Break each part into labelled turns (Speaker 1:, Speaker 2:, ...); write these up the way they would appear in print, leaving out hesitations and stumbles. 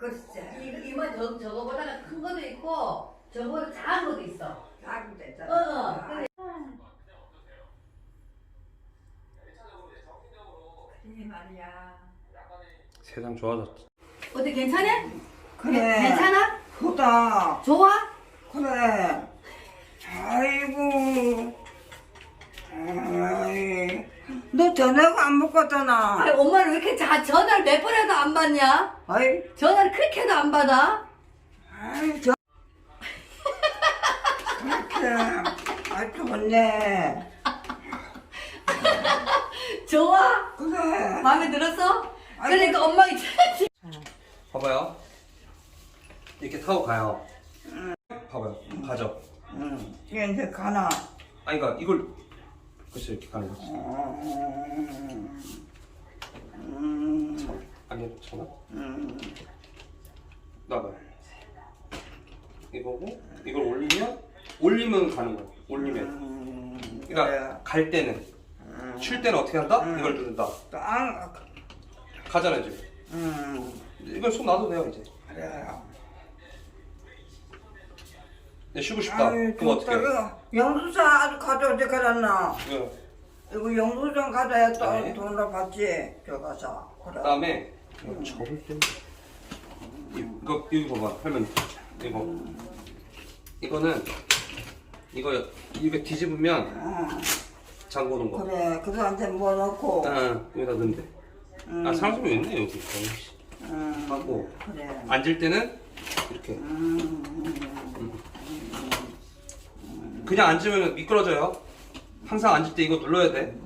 Speaker 1: 글쎄.
Speaker 2: 이만 저거보다가 큰 것도 있고 저거보다 작은 것도 있어.
Speaker 1: 작은 데 있잖아.
Speaker 2: 그래.
Speaker 1: 그래 말이야.
Speaker 3: 세상 좋아졌지.
Speaker 2: 어때 괜찮아?
Speaker 1: 그래.
Speaker 2: 괜찮아?
Speaker 1: 크다.
Speaker 2: 좋아?
Speaker 1: 그래. 아이고. 아이. 너 저녁 안 먹었잖아.
Speaker 2: 아니 엄마는 왜 이렇게 전화를 몇 번 해도 안 받냐?
Speaker 1: 아이.
Speaker 2: 전화를 그렇게 해도 안 받아?
Speaker 1: 아이 저. 그렇게. 아이 좋네.
Speaker 2: 좋아?
Speaker 1: 그래.
Speaker 2: 마음에 들었어? 그러니까 엄마가
Speaker 3: 봐봐요. 이렇게 타고 가요. 봐봐요. 가죠.
Speaker 1: 응. 이제 가나.
Speaker 3: 아니 그러니까 이걸 글쎄 이렇게 가는 거지. 안 괜찮아? 나봐요. 이거고 이걸 올리면 가는 거야. 올리면. 그러니까
Speaker 1: 그래.
Speaker 3: 갈 때는 쉴 때는 어떻게 한다? 이걸 누른다.
Speaker 1: 또 안.
Speaker 3: 가잖아 지금. 이걸 손 놔도 돼요 이제.
Speaker 1: 그래.
Speaker 3: 근데 쉬고 싶다.
Speaker 1: 아이,
Speaker 3: 그럼 어떻게 해?
Speaker 1: 영수증 아주 가져오지 그랬나?
Speaker 3: 네.
Speaker 1: 이거 영수증 가져야 또
Speaker 3: 네.
Speaker 1: 돈을 받지. 저 가서. 그래.
Speaker 3: 그다음에 접을 때 이거 봐봐 할머니 이거는 이거 뒤집으면 잠궈 놓은 거.
Speaker 1: 그래. 그거한테 뭐 넣고.
Speaker 3: 여기다 넣으면 돼. 사람이 있네 여기. 하고
Speaker 1: 그래.
Speaker 3: 앉을 때는 이렇게. 그냥 앉으면 미끄러져요. 항상 앉을 때 이거 눌러야 돼.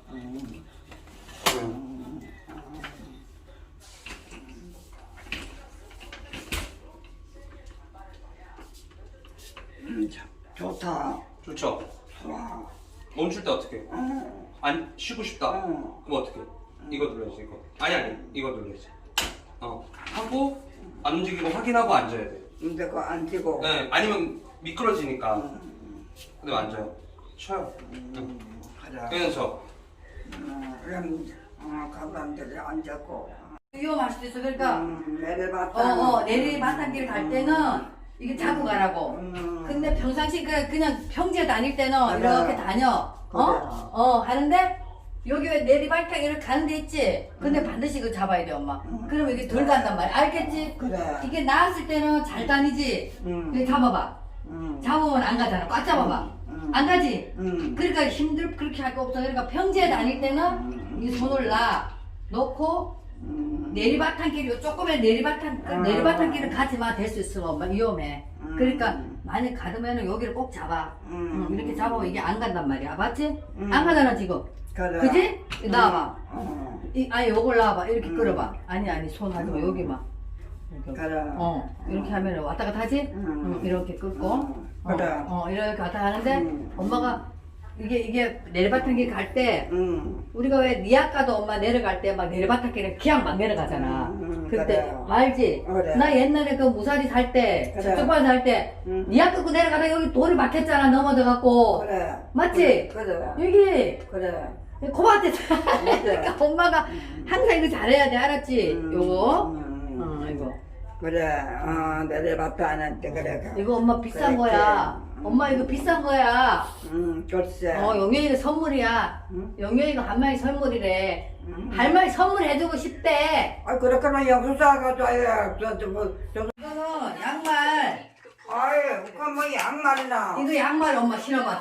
Speaker 1: 좋다.
Speaker 3: 좋죠.
Speaker 1: 좋아.
Speaker 3: 멈출 때 어떻게? 안 쉬고 싶다. 그럼 어떻게? 이거 눌러야지 이거. 아니 이거 눌러야지. 하고 안 움직이고 확인하고 앉아야 돼.
Speaker 1: 근데 그거 안 찌고.
Speaker 3: 네, 아니면 미끄러지니까. 근데 앉아요. 쉬어요.
Speaker 1: 그래.
Speaker 3: 그래서
Speaker 1: 그럼 가방들이 앉았고.
Speaker 2: 위험할 수도 있어. 그러니까
Speaker 1: 내려봤다.
Speaker 2: 내리바탕길 갈 때는 이게 잡고 가라고. 근데 평상시 그냥 평지에 다닐 때는
Speaker 1: 그래.
Speaker 2: 이렇게 다녀. 하는데 여기 왜 내리바탕 이렇게 가는 데 있지? 근데 반드시 이거 잡아야 돼 엄마. 그러면 이게 덜 간단 말이야. 알겠지?
Speaker 1: 그래.
Speaker 2: 이게 나왔을 때는 잘 다니지? 이거 잡아봐. 잡으면 안 가잖아. 꽉 잡아봐. 안 가지? 그러니까 그렇게 할 거 없어. 그러니까 평지에 다닐 때는 이 손을 놓고 내리바탕길이 조금의 내리바탕길을 가지 마. 될 수 있어 엄마. 위험해. 그러니까 만약 가두면은 여기를 꼭 잡아. 이렇게 잡으면 이게 안 간단 말이야. 맞지? 안 가잖아 지금.
Speaker 1: 그래.
Speaker 2: 그지? 나와봐. 아니 요걸 나와봐. 이렇게 끌어봐. 아니 손 하지 마. 여기만.
Speaker 1: 그래.
Speaker 2: 이렇게 하면 왔다 갔다 하지? 이렇게 끌고.
Speaker 1: 그래.
Speaker 2: 이렇게 갔다 하는데 엄마가 이게 내리바탕길 갈 때 우리가 왜 니 아까도 엄마 내려갈 때 막 내리바탕길에 그냥 막 내려가잖아. 그때
Speaker 1: 그래.
Speaker 2: 알지?
Speaker 1: 그래.
Speaker 2: 나 옛날에 그 무사리 살 때,
Speaker 1: 그래.
Speaker 2: 저쪽반 살 때, 니 아까 그 내려가다 여기 돌이 막혔잖아. 넘어져갖고.
Speaker 1: 그래.
Speaker 2: 맞지?
Speaker 1: 그래.
Speaker 2: 여기
Speaker 1: 그래.
Speaker 2: 고맙대. 그러니까 엄마가 항상 이거 잘해야 돼. 알았지? 요거. 이거.
Speaker 1: 그래. 내려봤다 안 했대. 그래.
Speaker 2: 이거 엄마 비싼
Speaker 1: 그래,
Speaker 2: 거야. 엄마 이거 비싼 거야.
Speaker 1: 글쎄.
Speaker 2: 영영이가 선물이야. 영영이가 할머니 선물이래. 할머니 선물해주고 싶대.
Speaker 1: 그렇구나. 영수사가 줘야.
Speaker 2: 이거는 양말.
Speaker 1: 그거 뭐 양말이나.
Speaker 2: 이거 양말 엄마 신어봐.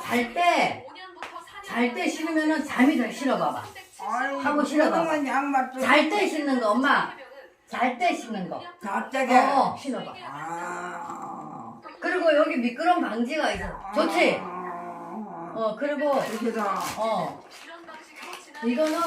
Speaker 2: 잘 때 신으면은 잠이 잘 신어봐봐. 하고 신어봐.
Speaker 1: 양말 또.
Speaker 2: 잘 때 신는 거 엄마. 잘 때 신는 거.
Speaker 1: 자짝에.
Speaker 2: 신어봐. 그리고 여기 미끄럼 방지가 있어. 좋지? 그리고
Speaker 1: 여기다.
Speaker 2: 이거는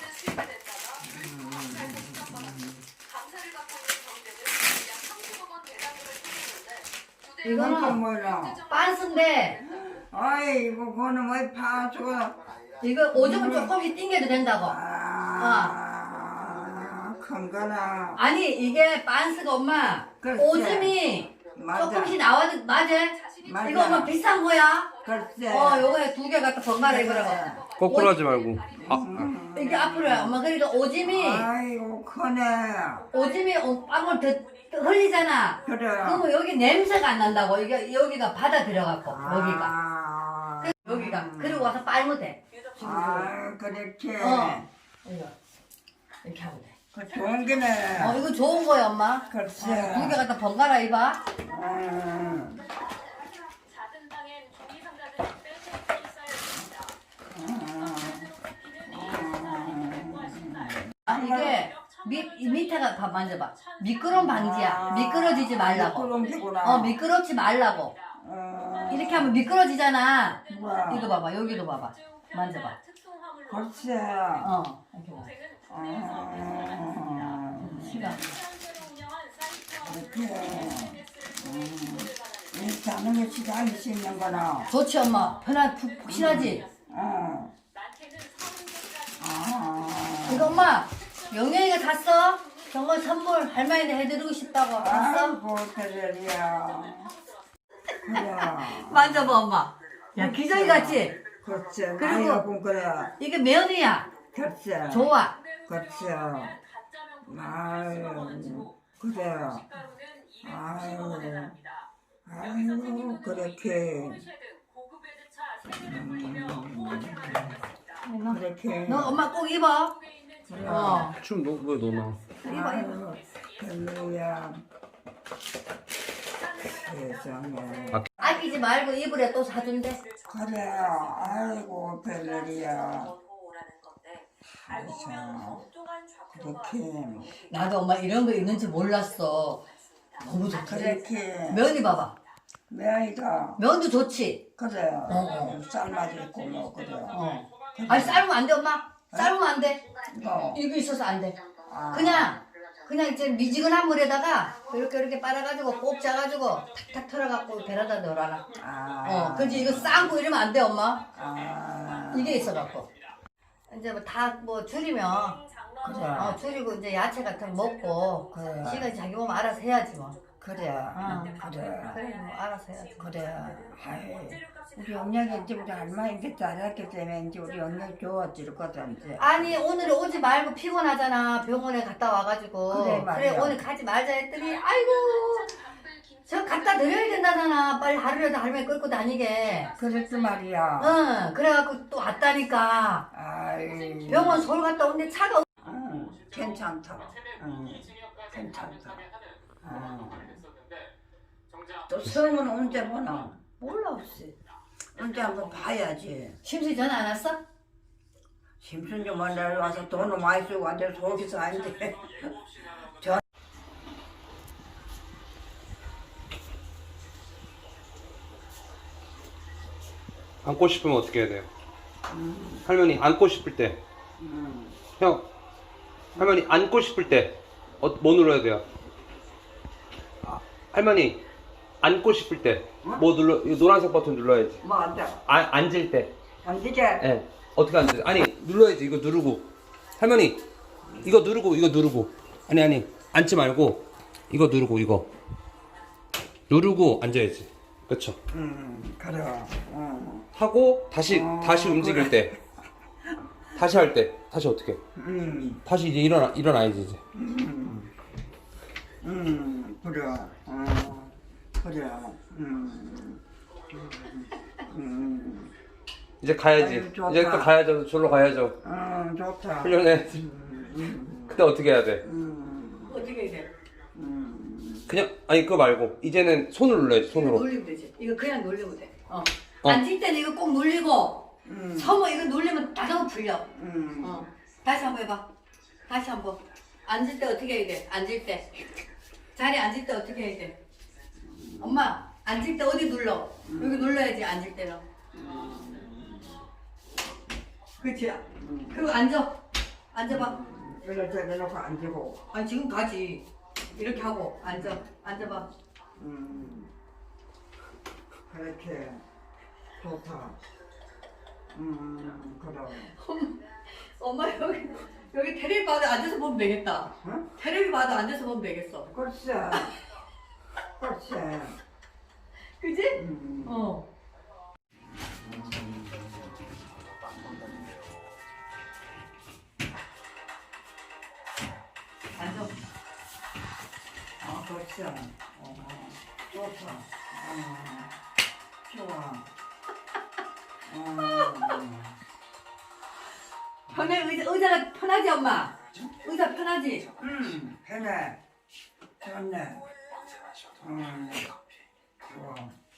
Speaker 2: 이거는
Speaker 1: 뭐야?
Speaker 2: 빤스인데
Speaker 1: 아이고 그거는 뭐 파주가.
Speaker 2: 이거 오줌을 조금씩 띵겨도 된다고.
Speaker 1: 큰 거나.
Speaker 2: 아니 이게 빤스가 엄마
Speaker 1: 글쎄.
Speaker 2: 오줌이
Speaker 1: 맞아.
Speaker 2: 조금씩 나와도 맞아?
Speaker 1: 맞아.
Speaker 2: 이거 엄마 비싼 거야.
Speaker 1: 글쎄.
Speaker 2: 요거에 2개 갖다 번갈아 입으라고.
Speaker 3: 거꾸로 하지 말고.
Speaker 2: 이게 앞으로야. 엄마 그러니까 오줌이
Speaker 1: 아이고 크네.
Speaker 2: 오줌이 빵을 더 흘리잖아.
Speaker 1: 그래.
Speaker 2: 그러면 여기 냄새가 안 난다고. 이게 여기가 받아 들어갖고 여기가.
Speaker 1: 아,
Speaker 2: 여기가. 그리고 와서 빨면 돼.
Speaker 1: 아 그렇게.
Speaker 2: 이거 이렇게 하면 돼.
Speaker 1: 그 좋은 게네.
Speaker 2: 이거 좋은 거야 엄마.
Speaker 1: 글쎄.
Speaker 2: 두 개 갖다 번갈아 입어.
Speaker 1: 음.
Speaker 4: 작은 방엔 종이 상자들이 빼곡히 쌓여있습니다.
Speaker 2: 이게 밑에가 봐 만져봐. 미끄럼 방지야. 미끄러지지 말라고.
Speaker 1: 미끄럼지구나.
Speaker 2: 미끄럽지 말라고. 이렇게 하면 미끄러지잖아.
Speaker 1: 우와.
Speaker 2: 이거 봐봐. 여기도 봐봐. 만져봐.
Speaker 1: 글쎄.
Speaker 2: 이렇게 봐. 시간.
Speaker 1: 이렇게. 이렇게 하는 게 시간이 수 있는 거나.
Speaker 2: 좋지 엄마. 푹신하지.
Speaker 1: 아.
Speaker 2: 이거 엄마 영영이가 샀어? 정말 선물 할머니한테 해드리고 싶다고 샀어?
Speaker 1: 아이고 그래야. 그래.
Speaker 2: 만져봐 엄마. 야 기저귀 같지?
Speaker 1: 글쎄.
Speaker 2: 그리고-
Speaker 1: 아이고 그래.
Speaker 2: 이게 면이야.
Speaker 1: 글쎄.
Speaker 2: 좋아.
Speaker 1: 글쎄. 아유 그래. 아유. 아유 그렇게. 그렇게.
Speaker 2: 너 엄마 꼭 입어.
Speaker 3: 춤 왜 너나?
Speaker 1: 아유 별로야. 세상에.
Speaker 2: 아끼지 말고 입으래 또 사준대.
Speaker 1: 그래. 아이고 별로야. 그렇게.
Speaker 2: 나도 엄마 이런 거 있는지 몰랐어. 너무 좋다.
Speaker 1: 그렇게.
Speaker 2: 면이 봐봐.
Speaker 1: 매이가.
Speaker 2: 면도 좋지.
Speaker 1: 그래.
Speaker 2: 어.
Speaker 1: 쌀맛 있고 뭐 그래.
Speaker 2: 아니 삶으면 안 돼 엄마. 삶으면 안 돼.
Speaker 1: 뭐.
Speaker 2: 이거 있어서 안 돼.
Speaker 1: 아.
Speaker 2: 그냥 이제 미지근한 물에다가 이렇게 빨아가지고 꼭 짜가지고 탁탁 털어갖고 베라다 넣어라.
Speaker 1: 아.
Speaker 2: 그렇지 이거 쌍고 이러면 안 돼 엄마.
Speaker 1: 아.
Speaker 2: 이게 있어갖고 이제 뭐 다 뭐 줄이면
Speaker 1: 그래.
Speaker 2: 줄이고 이제 야채 같은 거 먹고
Speaker 1: 그래.
Speaker 2: 시간 자기 몸 알아서 해야지 뭐.
Speaker 1: 그래.
Speaker 2: 그래
Speaker 1: 그래.
Speaker 2: 뭐 알아서 해야지.
Speaker 1: 그래. 아이. 우리 영양이 이제 우리 할머니한테 잘했기 때문에 이제 우리 영양이 좋아질 거다 이제.
Speaker 2: 아니 오늘 오지 말고 피곤하잖아. 병원에 갔다 와가지고.
Speaker 1: 그래, 말이야.
Speaker 2: 오늘 가지 말자 했더니 아이고 저 갖다 드려야 된다잖아. 빨리 하루라도 할머니 끌고 다니게.
Speaker 1: 그랬지 말이야.
Speaker 2: 응 그래갖고 또 왔다니까.
Speaker 1: 아이.
Speaker 2: 병원 서울 갔다 오는데 차가
Speaker 1: 응. 괜찮다. 응. 괜찮다. 또 성은 언제 보나?
Speaker 2: 몰라 없이.
Speaker 1: 언제 한번 봐야지.
Speaker 2: 심수이 전화 안 왔어?
Speaker 1: 심슨 좀 만나러 와서 돈을 많이 쓰고 완전 속에서 아닌데.
Speaker 3: 안고 싶으면 어떻게 해야 돼요? 할머니 안고 싶을 때. 형, 할머니 안고 싶을 때 뭐 눌러야 돼요? 할머니 앉고 싶을 때 뭐 눌러? 이 노란색 버튼 눌러야지.
Speaker 1: 뭐 안 돼.
Speaker 3: 앉을 때.
Speaker 1: 앉으게.
Speaker 3: 예. 어떻게 앉지? 아니 눌러야지. 이거 누르고. 할머니 이거 누르고. 아니 앉지 말고 이거 누르고 이거 누르고 앉아야지. 그렇죠?
Speaker 1: 그래.
Speaker 3: 하고 다시 움직일 때. 다시 할 때. 다시 어떻게? 다시 이제 일어나야지 이제.
Speaker 1: 그래. 그래.
Speaker 3: 이제 가야지.
Speaker 1: 아유, 좋다.
Speaker 3: 이제 또 가야죠. 졸로 가야죠.
Speaker 1: 좋다.
Speaker 3: 훈련해야지. 그때 어떻게 해야 돼?
Speaker 2: 어떻게 해야 돼?
Speaker 3: 그냥 아니 그거 말고 이제는 손을 눌러야지. 손으로.
Speaker 2: 놀리면 되지. 이거 그냥 놀리면 돼. 앉을 때는 이거 꼭 놀리고 서면 이거 놀리면 자동으로 풀려. 다시 한번 해봐. 다시 한번. 앉을 때 어떻게 해야 돼? 앉을 때. 자리에 앉을 때 어떻게 해야 돼? 엄마 앉을 때 어디 눌러? 여기 눌러야지 앉을 때는. 그치? 그리고 앉아봐.
Speaker 1: 이렇게 내놓고 앉고.
Speaker 2: 아니 지금 가지. 이렇게 하고 앉아봐.
Speaker 1: 그렇게. 좋다. 그래.
Speaker 2: 엄마 여기 테레비 봐도 앉아서 보면 되겠다.
Speaker 1: 응?
Speaker 2: 테레비 봐도 앉아서 보면 되겠어.
Speaker 1: 글쎄. 글쎄.
Speaker 2: 그지?
Speaker 1: 좋죠. 좋다. 좋아.
Speaker 2: 편해 의자가 편하지 엄마? 의자 편하지?
Speaker 1: 편해. 좋네. 좋아.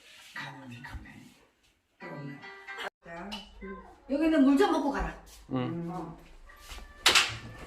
Speaker 1: 좋네. 자,
Speaker 2: 여기는 물 좀 먹고 가라.
Speaker 3: 응.
Speaker 1: 음.